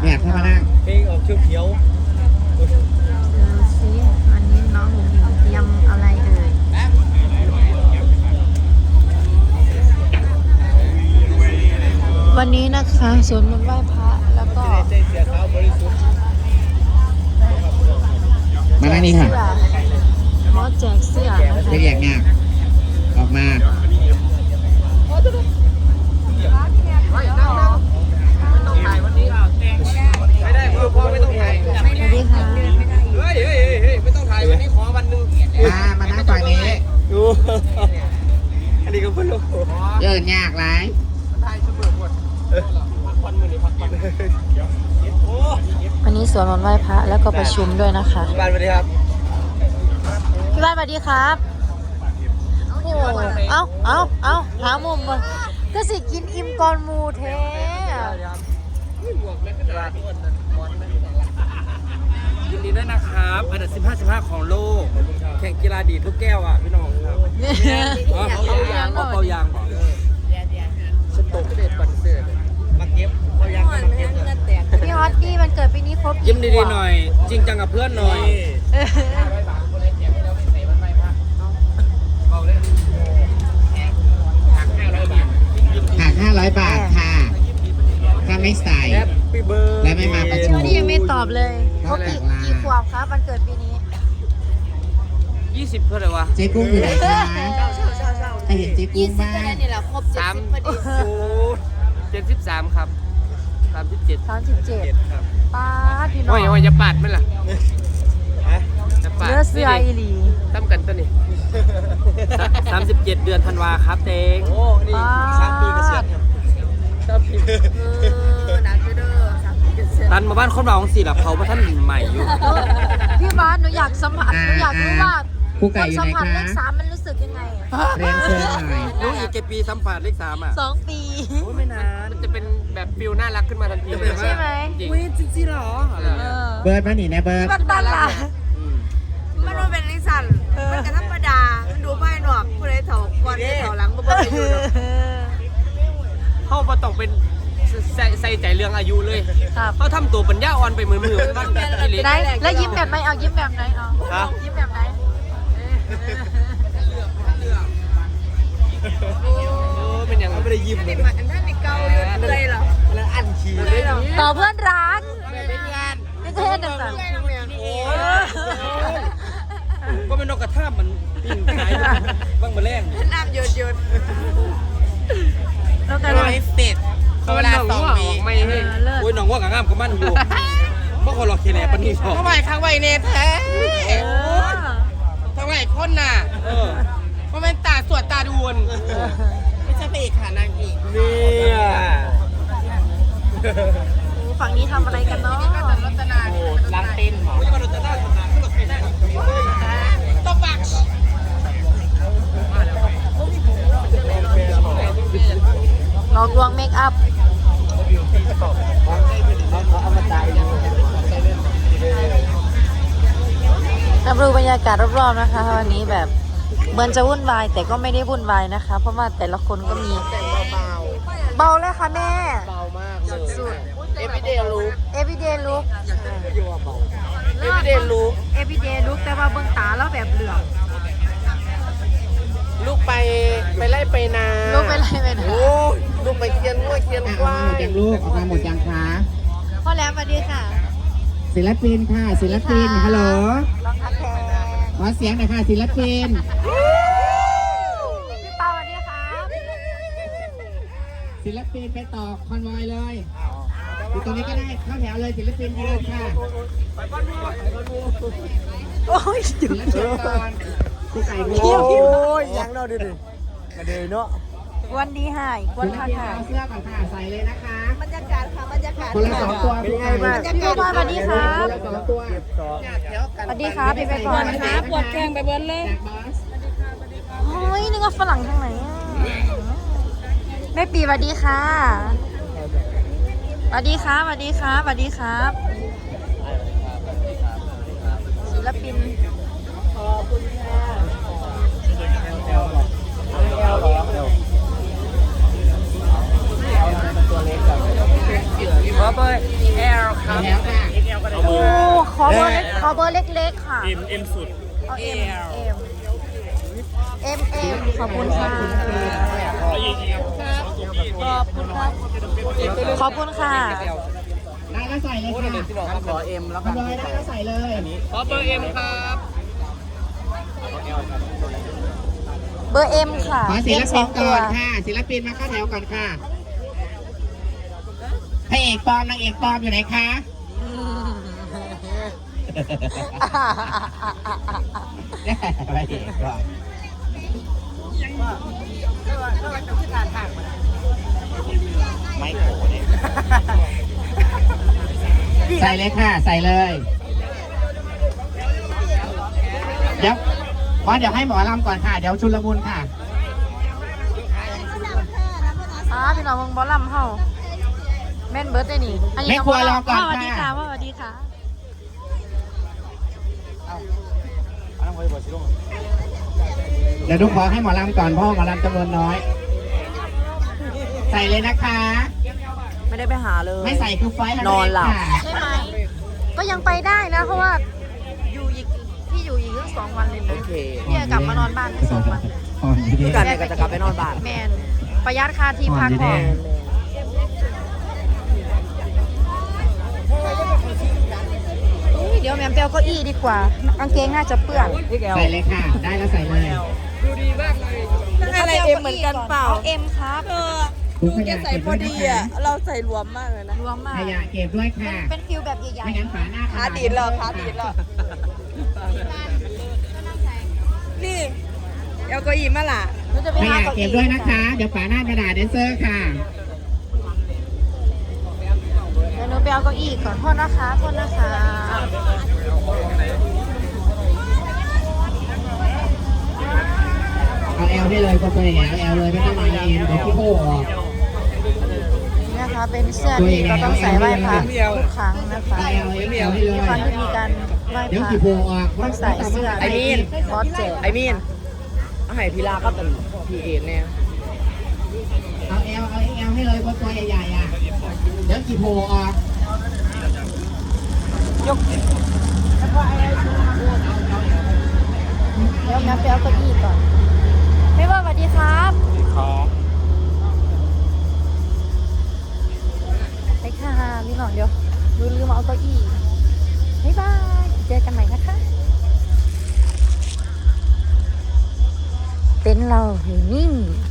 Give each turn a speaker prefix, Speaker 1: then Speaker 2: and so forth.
Speaker 1: เนี่ยเข้ามานั่ง
Speaker 2: เพลงออกเขียว
Speaker 3: ดูสิวันนี้น้องหญิงเตรียมอะไรเอ่ยวันนี้นะคะสวดมนต์ไหว้พระแล้วก็
Speaker 2: ใจเสียขาวบริสุทธิ์
Speaker 1: มานั่งนี่ค่ะ
Speaker 3: หมอแจกเสื้อนะคะ
Speaker 1: เรียกงานออกมา
Speaker 2: ไม่ได้คือพ่อไม่ต้องถ่าย
Speaker 3: สวัสดีค่ะ
Speaker 2: เฮ้ยไม่ต้องถ่ายวันนี้ขอวันนึง
Speaker 1: มานั่งฝั่งนี้
Speaker 2: ดูอันนี้ก็เพิ่งรู้
Speaker 1: เดินยากไร
Speaker 3: วันนี้สวดมนต์ไหว้พระแล้วก็ประชุมด้วยนะคะ
Speaker 2: พี่บ้านสวัสดีครับ
Speaker 3: พี่บ้านสวัสดีครับโอ้เอาหามุมมาก็สิกินอิ่มก่อนหมูเท
Speaker 2: ยินดีด้วยนะครับอันดับ15ของโลกแข่งกีฬาดีทุกแก้วอ่ะพี่น้องครับเอาเป่ายางบอกสต๊อกเด็ดปันเสือมาเก็บเป่ายางมาเก็บ
Speaker 3: พี่ฮอตดี้มันเกิดปีนี้ครบ
Speaker 2: ยิ้มดีๆหน่อยจริงจังกับเพื่อนหน่อย
Speaker 1: หัก500 บาทค่ะถ้าไม่ใส่และไม่มาประชุม
Speaker 3: นี่ยังไม่ตอบเลยครบกี่ขวบครับวันเกิดปีนี้
Speaker 2: 20เพื่ออะไรวะ
Speaker 1: เจ๊กุ้งอยู่ไหนคะใครเห็นเจ๊กุ้งบ้าง
Speaker 3: นี่แหละครบ70พอดี
Speaker 2: 73ครับ37ครับ
Speaker 3: ป้าพี่น้อง
Speaker 2: โอ้ยจะปาดไหมล่ะ
Speaker 3: เลือเสื้ออีหลี
Speaker 2: ตั้มกันตัวนี้37เดือนธันวาครับเต็งโอ้นี่3 ปีกระเสียน
Speaker 3: หนักเด้อ
Speaker 2: ตันมาบ้านคนเราของสี่หลับเขาเพราะท่านใหม่อยู่
Speaker 3: พี่บ้านหนูอยากสัมผัสหนูอยากรู้ว่า
Speaker 1: คู่ไก่อยู่ไหนคะ
Speaker 3: เลข3มันรู้สึกยังไง
Speaker 1: เรียนเชิญหน่อย
Speaker 2: รู้อีกกี่ปีสัมผัสเลข3อ่ะ
Speaker 3: 2 ปี
Speaker 2: ไม่นานมันจะเป็นแบบฟิลน่ารักขึ้นมาทันที
Speaker 3: ใช่ไหม
Speaker 2: อุ้ยจริงๆหรอ
Speaker 1: เบิร์ดมาหนีนะเบิร์ด
Speaker 3: บ้านล่ะ
Speaker 4: มันเป็นลิซันมันก็ธรรมดามันดูไม่หนวกผู้ใดเถาก่อนเถาหลังบ่ได้อยู่
Speaker 2: เขาต้องเป็นใส่ใจเรื่องอายุเลยเขาทำตัวปัญญาอ่อนไปมือบ้าน
Speaker 3: ไหนแล้วยิ้มแบบไหนเอายิ้มแบบไหนเอายิ้มแบบไหน
Speaker 2: เป็นยังไม่ได้ยิ้มเลย
Speaker 4: อันนั้นในเกาอยู่เลยเหรอ
Speaker 2: แล้วอันขี้
Speaker 3: ต่อเพื่อนรักเป็นงานไม่ใช่หนึ่งสัน
Speaker 2: ก็เป็นนกกระทามันปิ้งขายบ้างมาแรง
Speaker 4: น้ำหยด
Speaker 3: แล้วกันเลย
Speaker 4: เป็ด
Speaker 2: เวลา2 ปีไม่ให้โอ้ยน้องว่ากับงามกับมันอยู่เพราะคนรอเคแลปนี่ชอบ
Speaker 4: ทำไมข้างไว้เนทแท้ทำไมคนน่ะเพราะมันตาสวดตาดวนไม่ใช่พระเอกค่ะนางเอก
Speaker 2: เนี่ย
Speaker 3: ฝั่งนี้ทำอะไรกันเนาะ
Speaker 2: ล้างเต้นหมอ
Speaker 4: ตบปาก
Speaker 3: หลอกลวงเมคอัพรับรู้บรรยากาศรอบๆนะคะวันนี้แบบเหมือนจะวุ่นวายแต่ก็ไม่ได้วุ่นวายนะคะเพราะว่าแต่ละคนก็มีเบาเลยค่ะแม่
Speaker 2: เบามาก
Speaker 3: สุด
Speaker 2: ๆ everyday look
Speaker 3: everyday look
Speaker 2: everyday look
Speaker 3: everyday look แต่ว่าเบื้องตาแล้วแบบเหลือง
Speaker 2: ลูกไปไล่ไปนา
Speaker 3: ลูกไปไล่ไปนา
Speaker 2: โอ้ลูกไปเคียนงัวเคียนควาย
Speaker 1: เต็มลูกออกมาหมดยังคะ
Speaker 3: พ่อแล้วสวัสดีค่ะ
Speaker 1: ศิลปินค่ะศิลปินฮัลโหล
Speaker 3: ลองทักแทน
Speaker 1: ขอเสียงหน่อยค่ะศิลปิน
Speaker 3: พี่เปาสวัสดีค่ะ
Speaker 1: ศิลปินไปต่อคอนวอยเลยอยู่ตรงนี้ก็ได้เข้าแถวเลยศิลปินยืนค่ะ
Speaker 3: โอ้ย
Speaker 1: ศิลปินก่อนคู่ไก่โ
Speaker 2: อ้ยยังเนาะดิมาเดยเนาะ
Speaker 3: วันดีหายวันทักหาย
Speaker 1: เสื้อก่อนค่ะใส่เลยนะคะ
Speaker 4: บรรยากาศค่ะบรรยากาศ
Speaker 1: คนละ2 ตัว
Speaker 3: พี่บอยสวัสดีครับ
Speaker 1: คนละ2 ตัว
Speaker 3: สวัสดีครับพี่ไปก่อน
Speaker 4: ครับปวดแข้งไปเบิ้ลเลย
Speaker 3: โอ้ยนึกว่าฝรั่งทางไหนแม่ปีสวัสดีค่ะสวัสดีครับสวัสดีครับสวัสดีครับศิลปิน
Speaker 4: ขอบคุณค่ะ
Speaker 2: ครับเบอร์ L ครับ
Speaker 1: แล้วค่ะ
Speaker 3: โอ้ขอเบอร์เล็กขอเบอร์เล็กๆค่ะ
Speaker 2: M สุด
Speaker 3: เอา M ขอบคุณค่ะขอบคุณค่ะ
Speaker 1: ได้ก็ใส่เลยค่ะ
Speaker 2: ที่บอกขอ M แล้ว
Speaker 1: ทำเลยได้ก็ใส่เลย
Speaker 2: ขอเบอร์ M ครับ
Speaker 3: เบอร์ M ค่ะ
Speaker 1: ขอศิล
Speaker 3: M ส
Speaker 1: ปิ
Speaker 3: อน ง
Speaker 1: ก่
Speaker 3: ตัว
Speaker 1: อนค่ะศิลปินมาเข้าแถวก่อนค่ะพระเอกปลอมนางเอกปลอมอยู่ไหนคะพระเอกปลอมไม่โกรธเนี่ยใส่เลยค่ะ ใส่เลย เดี๋ยวให้หมอลำก่อนค่ะ เดี๋ยวชุลมุนค่ะ
Speaker 3: พี่น้องมึงบอลลัมเฮาแม่นเบิร์ดได้นี่อันนี้
Speaker 1: ไม่ควรรอก่อน
Speaker 3: สวัสดี
Speaker 1: ค่ะ
Speaker 3: ค่ะสวัสดีค่ะ
Speaker 1: เดี๋ยวทุกขอให้หมอลำก่อนเพราะหมอลำจำนวนน้อย ใส่เลยนะคะ
Speaker 3: ไม่ได้ไปหาเลย
Speaker 1: ไม่ใส่คือไฟท์
Speaker 3: นอนหลับ
Speaker 1: ค่ะ
Speaker 3: ใช่ไหมก็ยังไปได้นะ เพราะว่าอยู่อีกพี่อยู่อีกเรื่อง2 วันเลยนะพี่จะกลับมานอนบ้านแค่2 วัน
Speaker 1: พี่
Speaker 3: กันก็จะกลับไปนอนบ้านแมนประหยัดค่าที่พักของเดี๋ยวแมมเปียวเก้าอี้ดีกว่ากางเกงน่าจะเปื้อน
Speaker 1: ใส่เลยค่ะ ได้แล้วใส่เลย
Speaker 2: ดูดีมากเลย
Speaker 4: อะไรเอ็มเหมือนกันเปล่า
Speaker 3: เอาเอ็มครับ
Speaker 1: ถุงขยะเก็บด้วยนะคะ
Speaker 4: เราใส่รวมมากเลยนะ
Speaker 3: รวมมาก
Speaker 1: ขยะเก็บด้วยค่ะ
Speaker 3: เป็นฟิลแบบใหญ่
Speaker 1: ไม่งั้นฝาหน้า
Speaker 4: ขาดีดเหรอขาดีดเหรอนี่เอาเก็อีมาล่ะ
Speaker 3: ๆเราจะไป
Speaker 1: ข
Speaker 3: หาย
Speaker 1: ะ
Speaker 3: เก้า
Speaker 1: เก็
Speaker 3: อี้
Speaker 1: บด้วยนะคะ เดี๋ยวฝาหน้ากระดาษแดนเซอร์ค่ะ
Speaker 3: เดี๋ยวหนูไปเอาเก้าอี้ก่อนโทษนะคะโทษนะคะ
Speaker 1: เอาแอลได้เลยคนตัวใหญ่เอาแอลเลยไม่ต้องมาเอ็นเดี๋ยวพี่โป้ออก
Speaker 3: นี่นะคะเป็นเสื้อที่เราต้องใส่ไหว้พระทุกครั้งนะคะ
Speaker 1: เอาแอลให้เลย
Speaker 3: ทุกครั้งที่มีการไหว้
Speaker 1: เดี๋ยว
Speaker 3: พระ
Speaker 1: กี่โมงออก
Speaker 3: ต้องใส่เสื้อ
Speaker 2: ไอ้มีน
Speaker 3: บอสเจ็
Speaker 2: ไอ้มีนเอาให้พีลาก็เป็นพีเอ็นเนี่ย
Speaker 1: เอาแอลให้เลยคนตัวใหญ่ๆอ่ะ เดี๋ยวกี่โมงออก
Speaker 3: ยกเดี๋ยวแม่ไปเอาเก้าอี้ก่อนไม่ว่าสวัสดีครับ
Speaker 2: ครับ
Speaker 3: ไปค่ะพี่หน่องเดี๋ยวลืมเอาเก้าอี้บ๊ายบายเจอกันใหม่นะคะเต็นท์เราอยู่นิ่ง